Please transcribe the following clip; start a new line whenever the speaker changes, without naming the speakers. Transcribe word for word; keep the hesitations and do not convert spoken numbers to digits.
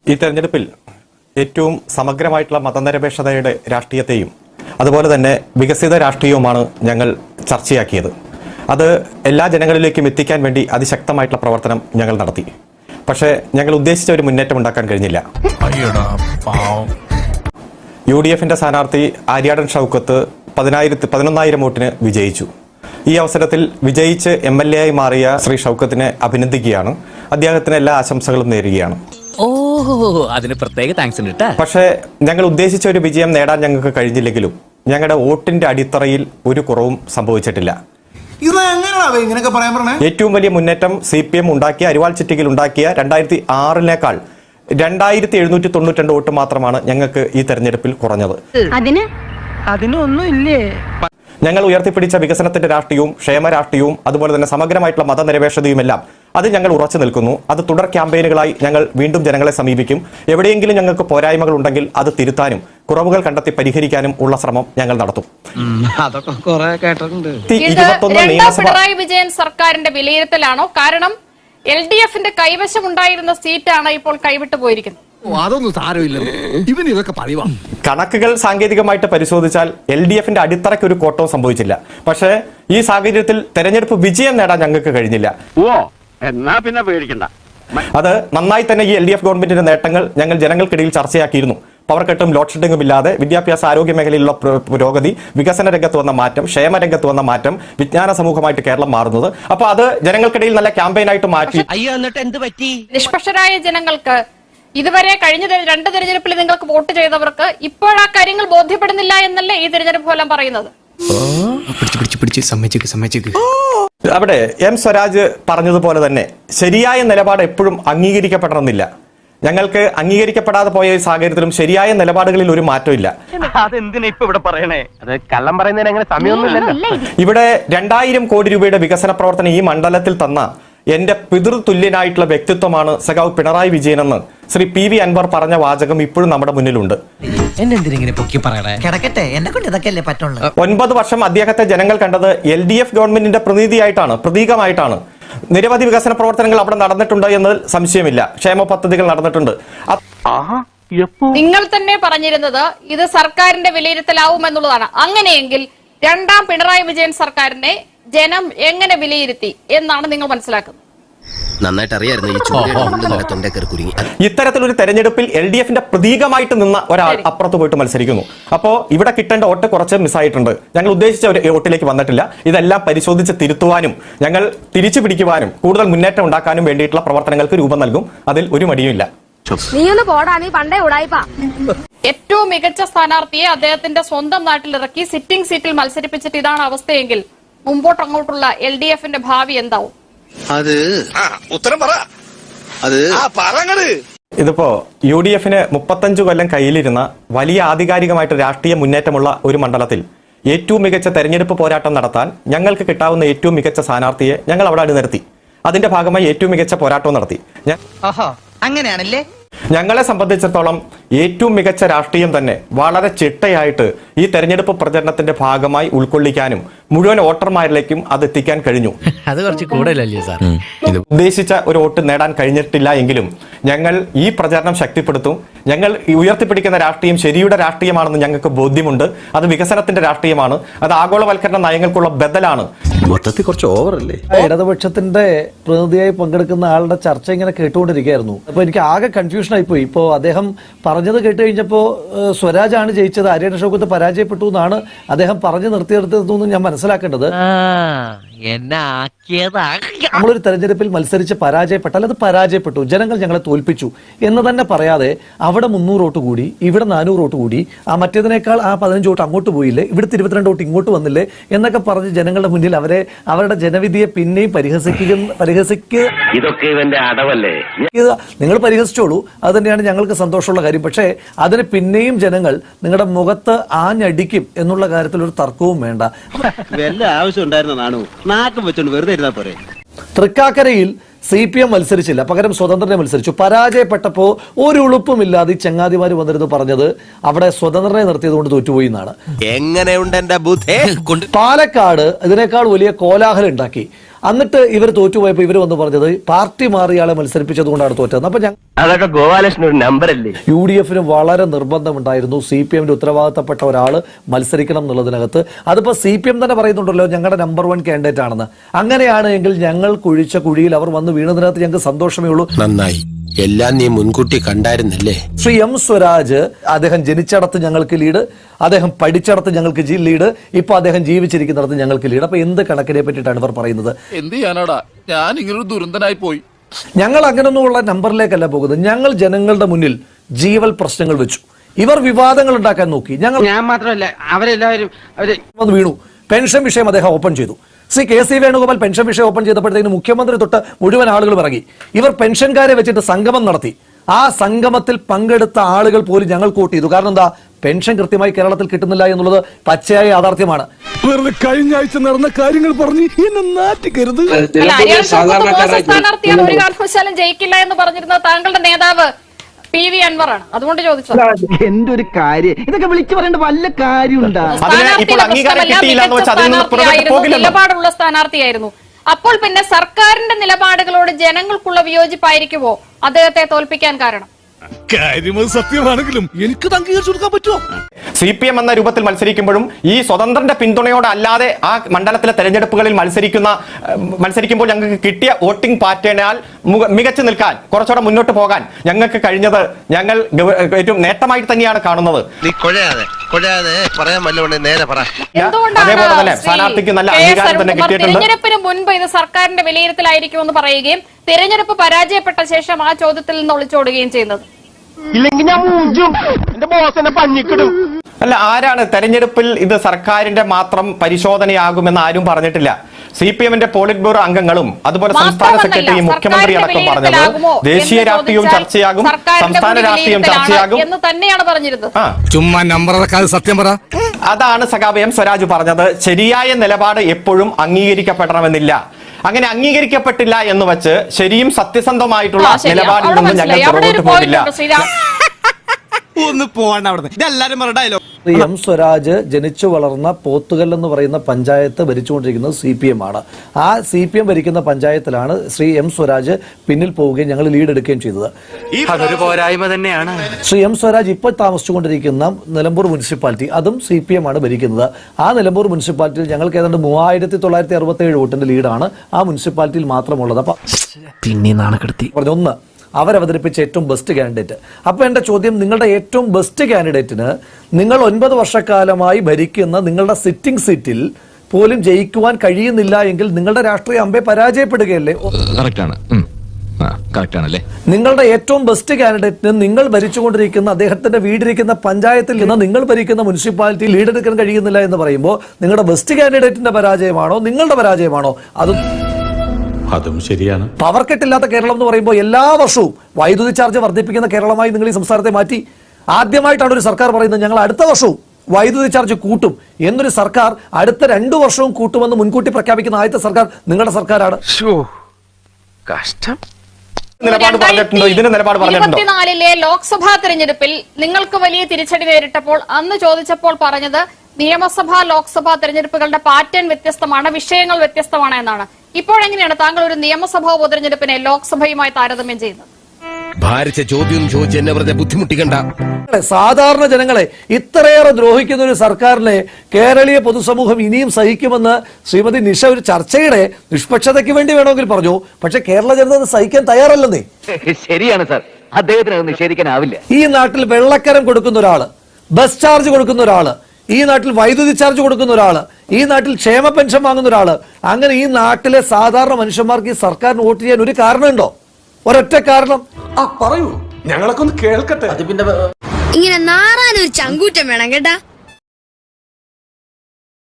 ഈ തെരഞ്ഞെടുപ്പിൽ ഏറ്റവും സമഗ്രമായിട്ടുള്ള മതനിരപേക്ഷതയുടെ രാഷ്ട്രീയത്തെയും അതുപോലെ തന്നെ വികസിത രാഷ്ട്രീയവുമാണ് ഞങ്ങൾ ചർച്ചയാക്കിയത്. അത് എല്ലാ ജനങ്ങളിലേക്കും എത്തിക്കാൻ വേണ്ടി അതിശക്തമായിട്ടുള്ള പ്രവർത്തനം ഞങ്ങൾ നടത്തി. പക്ഷേ ഞങ്ങൾ ഉദ്ദേശിച്ച ഒരു മുന്നേറ്റം ഉണ്ടാക്കാൻ കഴിഞ്ഞില്ല. യു ഡി എഫിന്റെ സ്ഥാനാർത്ഥി ആര്യാടൻ ഷൗക്കത്ത് പതിനായിരത്തി പതിനൊന്നായിരം വോട്ടിന് വിജയിച്ചു. ഈ അവസരത്തിൽ വിജയിച്ച് എം എൽ എ ആയി മാറിയ ശ്രീ ഷൗക്കത്തിനെ അഭിനന്ദിക്കുകയാണ്. അദ്ദേഹത്തിന് എല്ലാ ആശംസകളും നേരുകയാണ്.
അതിന് പ്രത്യേക താങ്ക്സ് ഉണ്ട്.
പക്ഷേ ഞങ്ങൾ ഉദ്ദേശിച്ച ഒരു വിജയം നേടാൻ ഞങ്ങൾക്ക് കഴിഞ്ഞില്ലെങ്കിലും ഞങ്ങളുടെ വോട്ടിന്റെ അടിത്തറയിൽ ഒരു കുറവും സംഭവിച്ചിട്ടില്ല. ഏറ്റവും വലിയ മുന്നേറ്റം സി പി എം ഉണ്ടാക്കിയ അരിവാൾ ചിറ്റിയിൽ ഉണ്ടാക്കിയ രണ്ടായിരത്തി ആറിനേക്കാൾ രണ്ടായിരത്തി എഴുന്നൂറ്റി തൊണ്ണൂറ്റി രണ്ട് വോട്ട് മാത്രമാണ് ഞങ്ങൾക്ക് ഈ തെരഞ്ഞെടുപ്പിൽ കുറഞ്ഞത്. ഞങ്ങൾ ഉയർത്തിപ്പിടിച്ച വികസനത്തിന്റെ രാഷ്ട്രീയവും ക്ഷേമ രാഷ്ട്രീയവും അതുപോലെ തന്നെ സമഗ്രമായിട്ടുള്ള മതനിരപേക്ഷതയും എല്ലാം അത് ഞങ്ങൾ ഉറച്ചു നിൽക്കുന്നു. അത് തുടർ ക്യാമ്പയിനുകളായി ഞങ്ങൾ വീണ്ടും ജനങ്ങളെ സമീപിക്കും. എവിടെയെങ്കിലും ഞങ്ങൾക്ക് പോരായ്മകൾ ഉണ്ടെങ്കിൽ അത് തിരുത്താനും കുറവുകൾ കണ്ടെത്തി പരിഹരിക്കാനും ഉള്ള ശ്രമം ഞങ്ങൾ നടത്തും.
പിണറായി വിജയൻ സർക്കാരിന്റെ വിലയിരുത്തലാണോ? കാരണം എൽ ഡി എഫിന്റെ കൈവശം ഉണ്ടായിരുന്ന സീറ്റാണ് ഇപ്പോൾ കൈവിട്ടു പോയിരിക്കുന്നത്.
അതൊന്നും സാരമില്ല, ഇവൻ ഇതൊക്കെ പറയുവാ.
കണക്കുകൾ സാങ്കേതികമായിട്ട് പരിശോധിച്ചാൽ എൽ ഡി എഫിന്റെ അടിത്തറയ്ക്ക് ഒരു കോട്ടവും സംഭവിച്ചില്ല. പക്ഷേ ഈ സാഹചര്യത്തിൽ തെരഞ്ഞെടുപ്പ് വിജയം നേടാൻ ഞങ്ങൾക്ക് കഴിഞ്ഞില്ല.
എന്നാ പിന്നെ പേടിക്കണ്ട.
അത് നന്നായി തന്നെ ഈ എൽ ഡി എഫ് ഗവൺമെന്റിന്റെ നേട്ടങ്ങൾ ഞങ്ങൾ ജനങ്ങൾക്കിടയിൽ ചർച്ചയാക്കിയിരുന്നു. പവർ കട്ടും ലോഡ് ഷെഡിങ്ങും ഇല്ലാതെ വിദ്യാഭ്യാസ ആരോഗ്യ മേഖലയിലുള്ള പുരോഗതി, വികസന രംഗത്ത് വന്ന മാറ്റം, ക്ഷേമ രംഗത്ത് വന്ന മാറ്റം, വിജ്ഞാന സമൂഹമായിട്ട് കേരളം മാറുന്നത്. അപ്പൊ അത് ജനങ്ങൾക്കിടയിൽ നല്ല ക്യാമ്പയിനായിട്ട് മാറ്റി.
നിഷ്പക്ഷരായ ജനങ്ങൾക്ക് ഇതുവരെ കഴിഞ്ഞ രണ്ട് തെരഞ്ഞെടുപ്പിൽ നിങ്ങൾക്ക് വോട്ട് ചെയ്തവർക്ക് ഇപ്പോഴാ കാര്യങ്ങൾ ബോധ്യപ്പെടുന്നില്ല എന്നല്ലേ ഈ തെരഞ്ഞെടുപ്പ് ഫലം പറയുന്നത്?
അവിടെ എം സ്വരാജ് പറഞ്ഞതുപോലെ തന്നെ ശരിയായ നിലപാട് എപ്പോഴും അംഗീകരിക്കപ്പെടണമെന്നില്ല. ഞങ്ങൾക്ക് അംഗീകരിക്കപ്പെടാതെ പോയ സാഹചര്യത്തിലും ശരിയായ നിലപാടുകളിൽ ഒരു മാറ്റമില്ല. ഇവിടെ രണ്ടായിരം കോടി രൂപയുടെ വികസന പ്രവർത്തനം ഈ മണ്ഡലത്തിൽ തന്ന എന്റെ പിതൃതുല്യനായിട്ടുള്ള വ്യക്തിത്വമാണ് സഖാവ് പിണറായി വിജയൻ എന്ന് ശ്രീ പി വി അൻവർ പറഞ്ഞ വാചകം ഇപ്പോഴും നമ്മുടെ മുന്നിലുണ്ട്. ഒൻപത് വർഷം അദ്ദേഹത്തെ ജനങ്ങൾ കണ്ടത് എൽ ഡി എഫ് ഗവൺമെന്റിന്റെ പ്രതിനിധിയായിട്ടാണ്, പ്രതീകമായിട്ടാണ്. നിരവധി വികസന പ്രവർത്തനങ്ങൾ അവിടെ നടന്നിട്ടുണ്ട് എന്നതിൽ സംശയമില്ല. ക്ഷേമ പദ്ധതികൾ നടന്നിട്ടുണ്ട്.
നിങ്ങൾ തന്നെ പറഞ്ഞിരുന്നത് ഇത് സർക്കാരിന്റെ വിലയിരുത്തലാവും എന്നുള്ളതാണ്. അങ്ങനെയെങ്കിൽ രണ്ടാം പിണറായി വിജയൻ സർക്കാരിനെ ജനം എങ്ങനെ വിലയിരുത്തി എന്നാണ് നിങ്ങൾ മനസ്സിലാക്കുന്നത്?
നന്നായിട്ട് അറിയായിരുന്നു.
ഇത്തരത്തിലൊരു തെരഞ്ഞെടുപ്പിൽ എൽ ഡി എഫിന്റെ പ്രതീകമായിട്ട് നിന്ന ഒരാൾ അപ്പുറത്ത് പോയിട്ട് മത്സരിക്കുന്നു. അപ്പോ ഇവിടെ കിട്ടേണ്ട വോട്ട് കുറച്ച് മിസ്സായിട്ടുണ്ട്. ഞങ്ങൾ ഉദ്ദേശിച്ച ഒരു വോട്ടിലേക്ക് വന്നിട്ടില്ല. ഇതെല്ലാം പരിശോധിച്ച് തിരുത്തുവാനും ഞങ്ങൾ തിരിച്ചു പിടിക്കുവാനും കൂടുതൽ മുന്നേറ്റം ഉണ്ടാക്കാനും വേണ്ടിയിട്ടുള്ള പ്രവർത്തനങ്ങൾക്ക് രൂപം നൽകും. അതിൽ ഒരു മടിയുമില്ല.
ഏറ്റവും മികച്ച സ്ഥാനാർത്ഥിയെ അദ്ദേഹത്തിന്റെ സ്വന്തം നാട്ടിലിറക്കി സിറ്റിംഗ് സീറ്റിൽ മത്സരിപ്പിച്ചിട്ട് ഇതാണ് അവസ്ഥയെങ്കിൽ മുമ്പോട്ട് അങ്ങോട്ടുള്ള എൽ ഡി എഫിന്റെ ഭാവി എന്താവും?
അത് ഉത്തരം പറ. അത്
ഇതിപ്പോ യു ഡി എഫിന് മുപ്പത്തഞ്ചു കൊല്ലം കയ്യിലിരുന്ന വലിയ ആധികാരികമായിട്ട് രാഷ്ട്രീയ മുന്നേറ്റമുള്ള ഒരു മണ്ഡലത്തിൽ ഏറ്റവും മികച്ച തെരഞ്ഞെടുപ്പ് പോരാട്ടം നടത്താൻ ഞങ്ങൾക്ക് കിട്ടാവുന്ന ഏറ്റവും മികച്ച സ്ഥാനാർത്ഥിയെ ഞങ്ങൾ അവിടെ അണിനിരത്തി. അതിന്റെ ഭാഗമായി ഏറ്റവും മികച്ച പോരാട്ടവും നടത്തി.
അങ്ങനെയാണല്ലേ?
ഞങ്ങളെ സംബന്ധിച്ചിടത്തോളം ഏറ്റവും മികച്ച രാഷ്ട്രീയം തന്നെ വളരെ ചിട്ടയായിട്ട് ഈ തെരഞ്ഞെടുപ്പ് പ്രചരണത്തിന്റെ ഭാഗമായി ഉൾക്കൊള്ളിക്കാനും മുഴുവൻ വോട്ടർമാരിലേക്കും അത് എത്തിക്കാൻ കഴിഞ്ഞു.
അത് കുറച്ച് കൂടുതലല്ലേ സാർ?
ഉദ്ദേശിച്ച ഒരു വോട്ട് നേടാൻ കഴിഞ്ഞിട്ടില്ല എങ്കിലും ഞങ്ങൾ ഈ പ്രചരണം ശക്തിപ്പെടുത്തും. ഞങ്ങൾ ഉയർത്തിപ്പിടിക്കുന്ന രാഷ്ട്രീയം ശരിയുടെ രാഷ്ട്രീയമാണെന്ന് ഞങ്ങൾക്ക് ബോധ്യമുണ്ട്. അത് വികസനത്തിന്റെ രാഷ്ട്രീയമാണ്. അത് ആഗോളവൽക്കരണ നയങ്ങൾക്കുള്ള ബദലാണ്.
മൊത്തത്തിൽ കുറച്ച് ഓവറല്ലേ?
ഇടതുപക്ഷത്തിന്റെ പ്രതിനിധിയായി പങ്കെടുക്കുന്ന ആളുടെ ചർച്ച ഇങ്ങനെ കേട്ടുകൊണ്ടിരിക്കുകയായിരുന്നു. അപ്പൊ എനിക്ക് ആകെ കൺഫ്യൂഷൻ ആയിപ്പോയി. ഇപ്പോ അദ്ദേഹം പറഞ്ഞത് കേട്ട് കഴിഞ്ഞപ്പോ സ്വരാജാണ് ജയിച്ചത്, ആര്യാടൻ ഷൗക്കത്ത് പരാജയപ്പെട്ടു എന്നാണ് അദ്ദേഹം പറഞ്ഞു നിർത്തിയെടുത്തതെന്ന് ഞാൻ മനസ്സിലാക്കേണ്ടത്. നമ്മളൊരു തെരഞ്ഞെടുപ്പിൽ മത്സരിച്ച് പരാജയപ്പെട്ടാൽ അത് പരാജയപ്പെട്ടു, ജനങ്ങൾ ഞങ്ങളെ തോൽപ്പിച്ചു എന്ന് തന്നെ പറയാതെ അവിടെ മുന്നൂറ് വോട്ട് കൂടി, ഇവിടെ നാനൂറ് വോട്ട് കൂടി, ആ മറ്റേതിനേക്കാൾ ആ പതിനഞ്ച് വോട്ട് അങ്ങോട്ട് പോയില്ലേ, ഇവിടുത്തെ ഇരുപത്തിരണ്ട് വോട്ട് ഇങ്ങോട്ട് വന്നില്ലേ എന്നൊക്കെ പറഞ്ഞ് ജനങ്ങളുടെ മുന്നിൽ അവരെ അവരുടെ ജനവിധിയെ പിന്നെയും പരിഹസിക്കുക പരിഹസിക്കുക
ഇതൊക്കെ ഇവന്റെ അടവല്ലേ?
നിങ്ങൾ പരിഹസിച്ചോളൂ, അത് തന്നെയാണ് ഞങ്ങൾക്ക് സന്തോഷമുള്ള കാര്യം. പക്ഷേ അതിന് പിന്നെയും ജനങ്ങൾ നിങ്ങളുടെ മുഖത്ത് ആഞ്ഞടിക്കും എന്നുള്ള കാര്യത്തിൽ ഒരു തർക്കവും വേണ്ട.
വല്ല ആവശ്യം ഉണ്ടായിരുന്നതാണോ? നാക്കം വെച്ചോണ്ട് വെറുതെ ഇരുന്നാ പോരെ.
തൃക്കാക്കരയിൽ സി പി എം മത്സരിച്ചില്ല, പകരം സ്വതന്ത്രനെ മത്സരിച്ചു. പരാജയപ്പെട്ടപ്പോ ഒരു ഉളുപ്പുമില്ലാതെ ചങ്ങാതിമാര് വന്നിരുന്നു പറഞ്ഞത് അവിടെ സ്വതന്ത്രനെ നിർത്തിയത് കൊണ്ട് തോറ്റുപോയി എന്നാണ്.
എങ്ങനെയുണ്ട് എന്റെ ബുദ്ധി?
പാലക്കാട് ഇതിനേക്കാൾ വലിയ കോലാഹലം ഉണ്ടാക്കി. എന്നിട്ട് ഇവർ തോറ്റുപോയപ്പോൾ ഇവർ വന്ന് പറഞ്ഞത് പാർട്ടി മാറി ആളെ മത്സരിപ്പിച്ചത് കൊണ്ടാണ് തോറ്റത്. അപ്പൊ ഞാൻ
അതൊക്കെ ഗോപാലകൃഷ്ണൻ ഒരു നമ്പർ അല്ലേ?
യു ഡി എഫിന് വളരെ നിർബന്ധമുണ്ടായിരുന്നു സി പി എമ്മിന്റെ ഉത്തരവാദിത്തപ്പെട്ട ഒരാൾ മത്സരിക്കണം എന്നുള്ളതിനകത്ത്. അതിപ്പോ സി പി എം തന്നെ പറയുന്നുണ്ടല്ലോ ഞങ്ങളുടെ നമ്പർ വൺ കാൻഡിഡേറ്റ് ആണെന്ന്. അങ്ങനെയാണ് എങ്കിൽ ഞങ്ങൾ കുഴിച്ച കുഴിയിൽ അവർ വന്ന് വീണതിനകത്ത് ഞങ്ങൾക്ക് സന്തോഷമേ ഉള്ളൂ.
നന്നായി, എല്ലാം നീ മുൻകൂട്ടി കണ്ടായിരുന്നല്ലേ.
ശ്രീ എം സ്വരാജ് അദ്ദേഹം ജനിച്ചിടത്ത് ഞങ്ങൾക്ക് ലീഡ്, അദ്ദേഹം പഠിച്ചിടത്ത് ഞങ്ങൾക്ക് ലീഡ്, ഇപ്പൊ അദ്ദേഹം ജീവിച്ചിരിക്കുന്നിടത്ത് ഞങ്ങൾക്ക് ലീഡ്. അപ്പൊ എന്ത് കണക്കിനെ പറ്റിയിട്ടാണ് ഇവർ പറയുന്നത്?
എന്ത് ചെയ്യാനാടാ, ഞാൻ ഇങ്ങനൊരു ദുരന്തനായി പോയി.
ഞങ്ങൾ അങ്ങനൊന്നുമുള്ള നമ്പറിലേക്കല്ല പോകുന്നത്. ഞങ്ങൾ ജനങ്ങളുടെ മുന്നിൽ ജീവൽ പ്രശ്നങ്ങൾ വെച്ചു. ഇവർ വിവാദങ്ങൾ ഉണ്ടാക്കാൻ നോക്കി. ഞങ്ങൾ
ഞാൻ മാത്രമല്ല അവരെല്ലാവരും അവര്
വന്ന് വീണു. പെൻഷൻ വിഷയം അദ്ദേഹം ഓപ്പൺ ചെയ്തു. Shri K C Venugopal pension വിഷയം ഓപ്പൺ ചെയ്തപ്പോഴത്തേക്കും മുഖ്യമന്ത്രി തൊട്ട് മുഴുവൻ ആളുകൾ ഇറങ്ങി. ഇവർ പെൻഷൻകാരെ വെച്ചിട്ട് സംഗമം നടത്തി. ആ സംഗമത്തിൽ പങ്കെടുത്ത ആളുകൾ പോലും ഞങ്ങൾ വോട്ട് ചെയ്തു. കാരണം എന്താ, പെൻഷൻ കൃത്യമായി കേരളത്തിൽ കിട്ടുന്നില്ല എന്നുള്ളത് പച്ചയായ യാഥാർത്ഥ്യമാണ്.
വെറുതെ കഴിഞ്ഞ ആഴ്ച നടന്ന കാര്യങ്ങൾ പറഞ്ഞ് എന്നെ നാറ്റിക്കരുത്.
അല്ല, അരിയാൽ ഷൗക്കത്ത് മോശം സ്ഥാനാർത്ഥിയാണ്, ഒരു കാരണവശാലും ജയിക്കില്ല എന്ന് പറഞ്ഞിരുന്ന താങ്കളുടെ നേതാവ് പി വി അൻവറാണ്. അതുകൊണ്ട് ചോദിച്ചത്.
എന്തൊരു കാര്യം, ഇതൊക്കെ വിളിച്ചു പറയേണ്ട വല്ല കാര്യമുണ്ടാ?
ഇപ്പോൾ അംഗീകാരം കിട്ടിയില്ല എന്ന് വെച്ചാൽ അതിൽ നിന്ന് പുറത്തേക്ക് പോകില്ലല്ലോ.
നിലപാടുള്ള സ്ഥാനാർത്ഥിയായിരുന്നു. അപ്പോൾ പിന്നെ സർക്കാരിന്റെ നിലപാടുകളോട് ജനങ്ങൾക്കുള്ള വിയോജിപ്പായിരിക്കുമോ അദ്ദേഹത്തെ തോൽപ്പിക്കാൻ കാരണം?
കാര്യം സത്യമാണെങ്കിലും എനിക്ക് അംഗീകരിച്ചു കൊടുക്കാൻ പറ്റുമോ?
സി പി എം എന്ന രൂപത്തിൽ മത്സരിക്കുമ്പോഴും ഈ സ്വതന്ത്രന്റെ പിന്തുണയോടെ അല്ലാതെ ആ മണ്ഡലത്തിലെ തെരഞ്ഞെടുപ്പുകളിൽ മത്സരിക്കുന്ന മത്സരിക്കുമ്പോൾ ഞങ്ങൾക്ക് കിട്ടിയ വോട്ടിംഗ് പാറ്റേണാൽ മികച്ചു നിൽക്കാൻ, കുറച്ചുകൂടെ മുന്നോട്ട് പോകാൻ ഞങ്ങൾക്ക് കഴിഞ്ഞത് ഞങ്ങൾ ഏറ്റവും നേട്ടമായിട്ട് തന്നെയാണ് കാണുന്നത്.
നീ കൊഴയാതെ കൊഴയാതെ പറയാൻ വല്ലതുകൊണ്ട് നേരെ പറ.
അതേപോലെ തന്നെ സ്ഥാനാർത്ഥിക്ക് നല്ല അംഗീകാരം തന്നെ കിട്ടിയിട്ടുണ്ട്.
തെരഞ്ഞെടുപ്പിന് മുൻപ് ഇത് സർക്കാരിന്റെ വിലയിരുത്തലായിരിക്കുമെന്ന് പറയുകയും തെരഞ്ഞെടുപ്പ് പരാജയപ്പെട്ട ശേഷം ആ ചോദ്യത്തിൽ നിന്ന് ഒളിച്ചോടുകയും ചെയ്യുന്നത്.
ഇല്ലെങ്കിൽ ഞാൻ മൂഞ്ചും, എന്റെ ബോസ് എന്നെ പഞ്ഞിക്കിടും.
അല്ല, ആരാണ് തെരഞ്ഞെടുപ്പിൽ ഇത് സർക്കാരിന്റെ മാത്രം പരിശോധനയാകുമെന്ന് ആരും പറഞ്ഞിട്ടില്ല. സി പി എമ്മിന്റെ പോളിറ്റ് ബ്യൂറോ അംഗങ്ങളും അതുപോലെ സംസ്ഥാന സെക്രട്ടറിയും മുഖ്യമന്ത്രി അടക്കം പറഞ്ഞത് ദേശീയ രാഷ്ട്രീയവും ചർച്ചയാകും, സംസ്ഥാന രാഷ്ട്രീയം ചർച്ചയാകും
എന്ന് തന്നെയാണ് പറഞ്ഞിരുന്നത്.
ചുമ്മാ നമ്പർ സത്യം പറ.
അതാണ് സഖാവ് എം സ്വരാജ് പറഞ്ഞത്. ശരിയായ നിലപാട് എപ്പോഴും അംഗീകരിക്കപ്പെടണമെന്നില്ല. അങ്ങനെ അംഗീകരിക്കപ്പെട്ടില്ല എന്ന് വെച്ച് ശരിയും സത്യസന്ധമായിട്ടുള്ള നിലപാടിൽ നിന്നും ഞങ്ങൾ പുറകോട്ട് പോകില്ല.
ഒന്ന് പോകണ്ട അവിടെ, ഇതെല്ലാരും പറഞ്ഞ
ശ്രീ എം സ്വരാജ് ജനിച്ചു വളർന്ന പോത്തുകൽ എന്ന് പറയുന്ന പഞ്ചായത്ത് ഭരിച്ചുകൊണ്ടിരിക്കുന്നത് സി പി എം ആണ്. ആ സി പി എം ഭരിക്കുന്ന പഞ്ചായത്തിലാണ് ശ്രീ എം സ്വരാജ് പിന്നിൽ പോവുകയും ഞങ്ങൾ ലീഡ് എടുക്കുകയും ചെയ്തത്.
അതൊരു പോരായ്മ തന്നെയാണ്.
ശ്രീ എം സ്വരാജ് ഇപ്പോൾ താമസിച്ചുകൊണ്ടിരിക്കുന്ന നിലമ്പൂർ മുനിസിപ്പാലിറ്റി, അതും സി പി എം ആണ് ഭരിക്കുന്നത്. ആ നിലമ്പൂർ മുനിസിപ്പാലിറ്റിയിൽ ഞങ്ങൾക്ക് ഏതാണ്ട് മൂവായിരത്തി തൊള്ളായിരത്തി അറുപത്തി ഏഴ് വോട്ടിന്റെ ലീഡാണ് ആ മുനിസിപ്പാലിറ്റിയിൽ മാത്രമുള്ളത്. അപ്പൊ
പിന്നെ നാണക്കെടുത്തി
പറഞ്ഞു ഒന്ന് അവരവതരിപ്പിച്ച ഏറ്റവും ബെസ്റ്റ് കാൻഡിഡേറ്റ്. അപ്പോൾ എൻ്റെ ചോദ്യം, നിങ്ങളുടെ ഏറ്റവും ബെസ്റ്റ് കാൻഡിഡേറ്റിന് നിങ്ങൾ ഒൻപത് വർഷക്കാലമായി ഭരിക്കുന്ന നിങ്ങളുടെ സിറ്റിംഗ് സീറ്റിൽ പോലും ജയിക്കുവാൻ കഴിയുന്നില്ല എങ്കിൽ നിങ്ങളുടെ രാഷ്ട്രീയ അമ്പെ പരാജയപ്പെടുകയല്ലേ? നിങ്ങളുടെ ഏറ്റവും ബെസ്റ്റ് കാൻഡിഡേറ്റിന് നിങ്ങൾ ഭരിച്ചുകൊണ്ടിരിക്കുന്ന അദ്ദേഹത്തിന്റെ വീടിരിക്കുന്ന പഞ്ചായത്തിൽ നിന്ന് നിങ്ങൾ ഭരിക്കുന്ന മുനിസിപ്പാലിറ്റി ലീഡ് എടുക്കാൻ കഴിയുന്നില്ല എന്ന് പറയുമ്പോൾ നിങ്ങളുടെ ബെസ്റ്റ് കാൻഡിഡേറ്റിന്റെ പരാജയമാണോ നിങ്ങളുടെ പരാജയമാണോ? അതും
അതും ശരിയാണ്.
പവർ കട്ടില്ലാത്ത കേരളം എന്ന് പറയുമ്പോൾ എല്ലാ വർഷവും വൈദ്യുതി ചാർജ് വർദ്ധിപ്പിക്കുന്ന കേരളമായി നിങ്ങൾ ഈ സംസ്ഥാനത്തെ മാറ്റി. ആദ്യമായിട്ടാണ് ഒരു സർക്കാർ പറയുന്നത് ഞങ്ങൾ അടുത്ത വർഷവും വൈദ്യുതി ചാർജ് കൂട്ടും എന്നൊരു സർക്കാർ അടുത്ത രണ്ടു വർഷവും കൂട്ടുമെന്ന് മുൻകൂട്ടി പ്രഖ്യാപിക്കുന്ന ആദ്യത്തെ സർക്കാർ നിങ്ങളുടെ സർക്കാരാണ്.
കഷ്ടം.
നിലപാട് പറഞ്ഞിട്ടുണ്ടോ? ഇതിന് നിലപാട് പറഞ്ഞിട്ടുണ്ടോ?
ഇരുപത്തിനാലിലെ ലോക്സഭാ തെരഞ്ഞെടുപ്പിൽ നിങ്ങൾക്ക് വലിയ തിരിച്ചടി നേരിട്ടപ്പോൾ അന്ന് ചോദിച്ചപ്പോൾ പറഞ്ഞത് നിയമസഭാ ലോക്സഭാ തെരഞ്ഞെടുപ്പുകളുടെ പാറ്റേൺ വ്യത്യസ്തമാണ്, വിഷയങ്ങൾ വ്യത്യസ്തമാണ് എന്നാണ്. ഇപ്പോഴെങ്ങനെയാണ് താങ്കൾ ഒരു നിയമസഭാ ഉപതെരഞ്ഞെടുപ്പിനെ ലോക്സഭയുമായി താരതമ്യം ചെയ്യുന്നത്?
ഭാരിച്ച ചോദ്യം ചോദിച്ച് എന്നെ വെറുതെ ബുദ്ധിമുട്ടിക്കണ്ട.
സാധാരണ ജനങ്ങളെ ഇത്രയേറെ ദ്രോഹിക്കുന്ന ഒരു സർക്കാരിനെ കേരളീയ പൊതുസമൂഹം ഇനിയും സഹിക്കുമെന്ന് ശ്രീമതി നിഷ ഒരു ചർച്ചയുടെ നിഷ്പക്ഷതയ്ക്ക് വേണ്ടി വേണമെങ്കിൽ പറഞ്ഞു. പക്ഷെ കേരള ജനത സഹിക്കാൻ തയ്യാറല്ലെന്നേ.
ശരിയാണ് സാർ, അദ്ദേഹത്തിന് അത് നിഷേധിക്കാനാവില്ല.
ഈ നാട്ടിൽ വെള്ളക്കരം കൊടുക്കുന്ന ഒരാള്, ബസ് ചാർജ് കൊടുക്കുന്ന ഒരാള്, ഈ നാട്ടിൽ വൈദ്യുതി ചാർജ് കൊടുക്കുന്ന ഒരാള്, ഈ നാട്ടിൽ ക്ഷേമ പെൻഷൻ വാങ്ങുന്ന ഒരാള്, അങ്ങനെ ഈ നാട്ടിലെ സാധാരണ മനുഷ്യന്മാർക്ക് ഈ സർക്കാരിന് വോട്ട് ചെയ്യാൻ ഒരു കാരണമുണ്ടോ? ഒരൊറ്റ കാരണം.
ആ പറയൂ, ഞങ്ങളൊക്കെ ഒന്ന് കേൾക്കട്ടെ.
ഇങ്ങനെ നാറാനൊരു ചങ്കൂറ്റം വേണം കേട്ടാ.